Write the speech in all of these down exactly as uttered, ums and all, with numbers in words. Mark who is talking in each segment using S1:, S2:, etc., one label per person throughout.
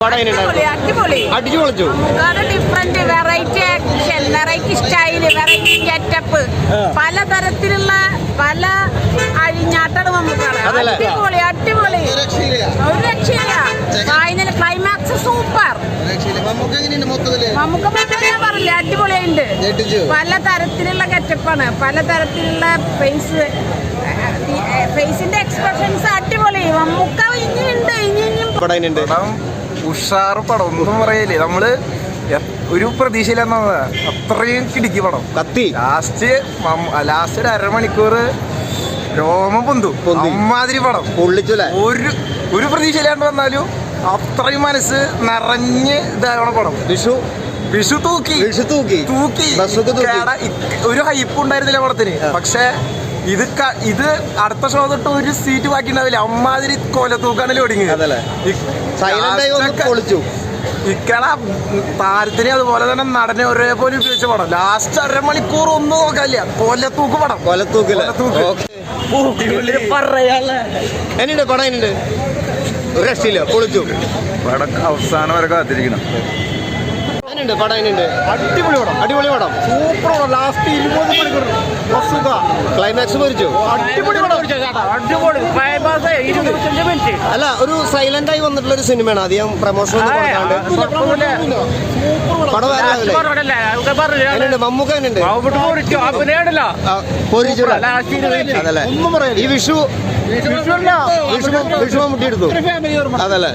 S1: Different variety action, variety style, variety getup, പലതരത്തിലുള്ള പല അഴിഞ്ഞാട്ടാണ് നമുക്കാണ്. അടിപൊളി അടിപൊളി ഒരു രക്ഷയില്ല. Final climax super. നമുക്ക് ഞാൻ പറഞ്ഞില്ല, അടിപൊളിയുണ്ട്. പലതരത്തിലുള്ള ഗെറ്റപ്പാണ്, പലതരത്തിലുള്ള ഫേസ് ഫേസിന്റെ എക്സ്പ്രഷൻസ് അടിപൊളി. നമുക്ക് ഇനിയുണ്ട് ഇനി ഇനിയും
S2: ഉഷാറ് പടം, ഒന്നും പറയല്ലേ. നമ്മള് ഒരു പ്രതീക്ഷയില്ലെന്നാ, അത്രയും കിടിക്കി പടം. കത്തി ലാസ്റ്റ് ലാസ്റ്റ് ഒരു അരമണിക്കൂർ രോമം പൊന്തു അമ്മാതിരി പടം പൊള്ളിച്ചൂല. ഒരു ഒരു പ്രതീക്ഷയില്ലാണ്ട് വന്നാലും അത്രയും മനസ്സ് നിറഞ്ഞ് ഇതാവണ പടം. വിഷു വിഷു തൂക്കി വിഷു തൂക്കി തൂക്കി ഒരു ഹൈപ്പ് ഉണ്ടായിരുന്നില്ല പടത്തിന്. പക്ഷെ ഇത് ഇത് അടുത്ത ഷോ തൊട്ട് ഒരു സീറ്റ് ബാക്കി ഉണ്ടാവില്ല. അമ്മാതിരി കൊല തൂക്കാണ് ലോഡിങ്. ഇക്കട താരത്തിനെ അതുപോലെ തന്നെ നടനെ ഒരേപോലെ ഉപയോഗിച്ച പടം. ലാസ്റ്റ് അരമണിക്കൂർ ഒന്നും നോക്കാനില്ല, കൊലത്തൂക്ക് പടം. കൊലത്തൂക്ക്
S3: എന്നുണ്ട് പടം എന്നുണ്ട് ഒരു രക്ഷയില്ല, പൊളിച്ചു.
S2: പടം അവസാനം വരെ കാത്തിരിക്കണം.
S3: പടം
S2: അടിപൊളി പടം,
S3: അടിപൊളി പടം,
S2: സൂപ്പർ പടം. ലാസ്റ്റ് ഇരുപത് മണിക്കൂർ
S3: ക്ലൈമാക്സ് മരിച്ചു.
S2: അടിപൊളി പടം, അടിപൊളി ഇരുപത്തഞ്ച് മിനിറ്റ്.
S3: അല്ല, ഒരു സൈലന്റ് ആയി വന്നിട്ടുള്ള ഒരു സിനിമയാണ്. അധികം പ്രൊമോഷൻ മമ്മൂക്ക ഈ വിഷു വിഷു മമ്മൂട്ടി എടുത്തു. അതല്ലേ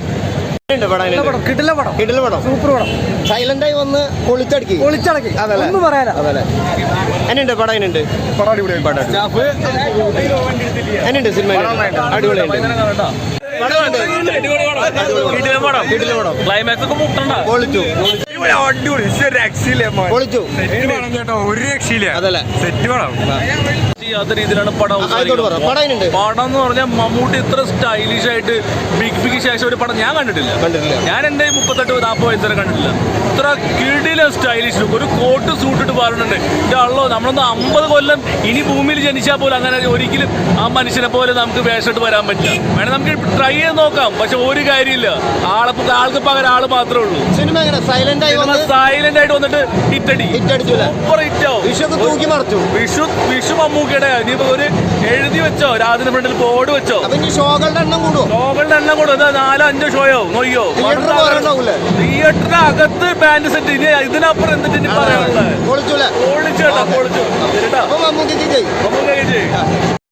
S3: സൈലന്റ് ആയി വന്ന് പൊളിച്ചടക്കി പൊളിച്ചടക്കി ഒന്നും പറയാനാ. അതല്ലേ എന്നുണ്ട് പടം എന്നുണ്ട് എന്നുണ്ട് സിനിമ അടിപൊളിയുണ്ട്.
S4: ക്ലൈമാക്സ് ഒക്കെ മുട്ടണ്ട
S3: പൊളിച്ചു പൊളിച്ചു
S4: ഒരു രക്ഷയില്ല.
S3: അതല്ലേ
S4: സെറ്റ് പടം ചെയ്യാത്ത രീതിയിലാണ് പടം.
S3: പടം
S4: എന്ന് പറഞ്ഞാൽ മമ്മൂട്ടി ഇത്ര സ്റ്റൈലിഷ് ആയിട്ട് ബിഗ് ബിഗ് ശേഷം ഒരു പടം ഞാൻ കണ്ടിട്ടില്ല. ഞാൻ എന്റെ മുപ്പത്തെട്ട് നാൽപ്പത് വയസ്സ് വരെ കണ്ടിട്ടില്ല. ഇത്ര കിടിലൻ സ്റ്റൈലിഷ് ലുക്ക്. ഒരു കോട്ട് സൂട്ടിട്ട് പറയുന്നുണ്ട്. ഇതല്ലോ നമ്മളൊന്ന് അമ്പത് കൊല്ലം ഇനി ഭൂമിയിൽ ജനിച്ചാൽ പോലും അങ്ങനെ ഒരിക്കലും ആ മനുഷ്യനെ പോലെ നമുക്ക് വേഷമിട്ട് വരാൻ പറ്റില്ല. വേണേ നമുക്ക് ട്രൈ ചെയ്ത് നോക്കാം, പക്ഷെ ഒരു കാര്യമില്ല. ആളെ ആൾക്ക് പകരം ആള് മാത്രമേ ഉള്ളൂ.
S3: സിനിമ സൈലന്റ് ആയി
S4: സൈലന്റ് ആയിട്ട് വന്നിട്ട് ഹിറ്റടി സൂപ്പർ ഹിറ്റാവും. വിഷു വിഷു മമ്മൂക്കയുടെ ഇനിയിപ്പോ ഒരു എഴുതി വെച്ചോ, രാജിന്റെ ഫ്രണ്ടിൽ ബോർഡ് വെച്ചോ.
S3: ഷോകളുടെ എണ്ണം കൂടും
S4: ഷോകളുടെ എണ്ണം കൂടും. എന്താ നാലോ അഞ്ചോ ഷോയോ നോക്കിയോ. തിയേറ്ററിന്റെ അകത്ത് ബാൻഡ് സെറ്റ്. ഇനി ഇതിനപ്പുറം എന്തിട്ട് ഇനി പറയാനുള്ളത്?
S3: പൊളിച്ചു
S4: പൊളിച്ചു കേട്ടോ, പൊളിച്ചു.
S3: മമ്മൂക്ക